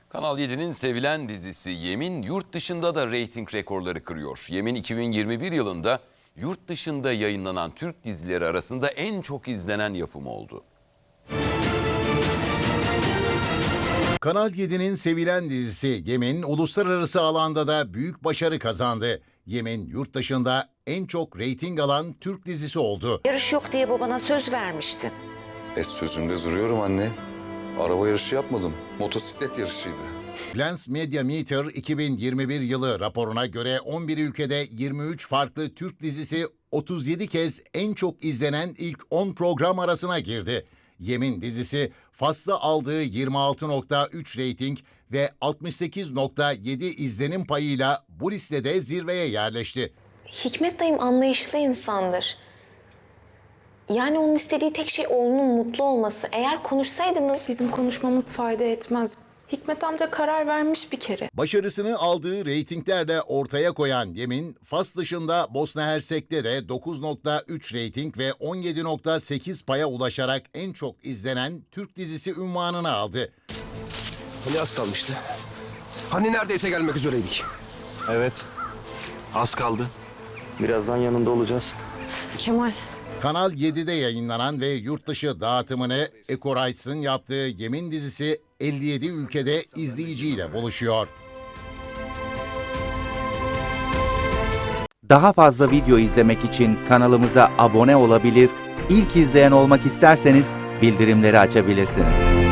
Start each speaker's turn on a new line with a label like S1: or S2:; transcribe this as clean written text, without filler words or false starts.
S1: Kanal 7'nin sevilen dizisi Yemin yurt dışında da reyting rekorları kırıyor. Yemin 2021 yılında yurt dışında yayınlanan Türk dizileri arasında en çok izlenen yapım oldu.
S2: Kanal 7'nin sevilen dizisi Yemin, uluslararası alanda da büyük başarı kazandı. Yemin, yurt dışında en çok reyting alan Türk dizisi oldu.
S3: Yarış yok diye babana söz vermiştin.
S4: Sözümde duruyorum anne. Araba yarışı yapmadım. Motosiklet yarışıydı.
S2: Glance Media Meter 2021 yılı raporuna göre 11 ülkede 23 farklı Türk dizisi 37 kez en çok izlenen ilk 10 program arasına girdi. Yemin dizisi Fas'ta aldığı 26.3 reyting ve 68.7 izlenim payıyla bu listede zirveye yerleşti.
S5: Hikmet dayım anlayışlı insandır. Yani onun istediği tek şey oğlunun mutlu olması. Eğer konuşsaydınız...
S6: Bizim konuşmamız fayda etmez. Hikmet amca karar vermiş bir kere.
S2: Başarısını aldığı reytinglerle ortaya koyan Yemin, Fas dışında Bosna Hersek'te de 9.3 reyting ve 17.8 paya ulaşarak en çok izlenen Türk dizisi unvanını aldı.
S7: Hani az kalmıştı? Hani neredeyse gelmek üzereydik?
S8: Evet,
S7: Az kaldı.
S8: birazdan yanında olacağız.
S6: Kemal.
S2: Kanal 7'de yayınlanan ve yurt dışı dağıtımını Eko Rights'ın yaptığı Yemin dizisi 57 ülkede izleyiciyle buluşuyor.
S9: Daha fazla video izlemek için kanalımıza abone olabilir, ilk izleyen olmak isterseniz bildirimleri açabilirsiniz.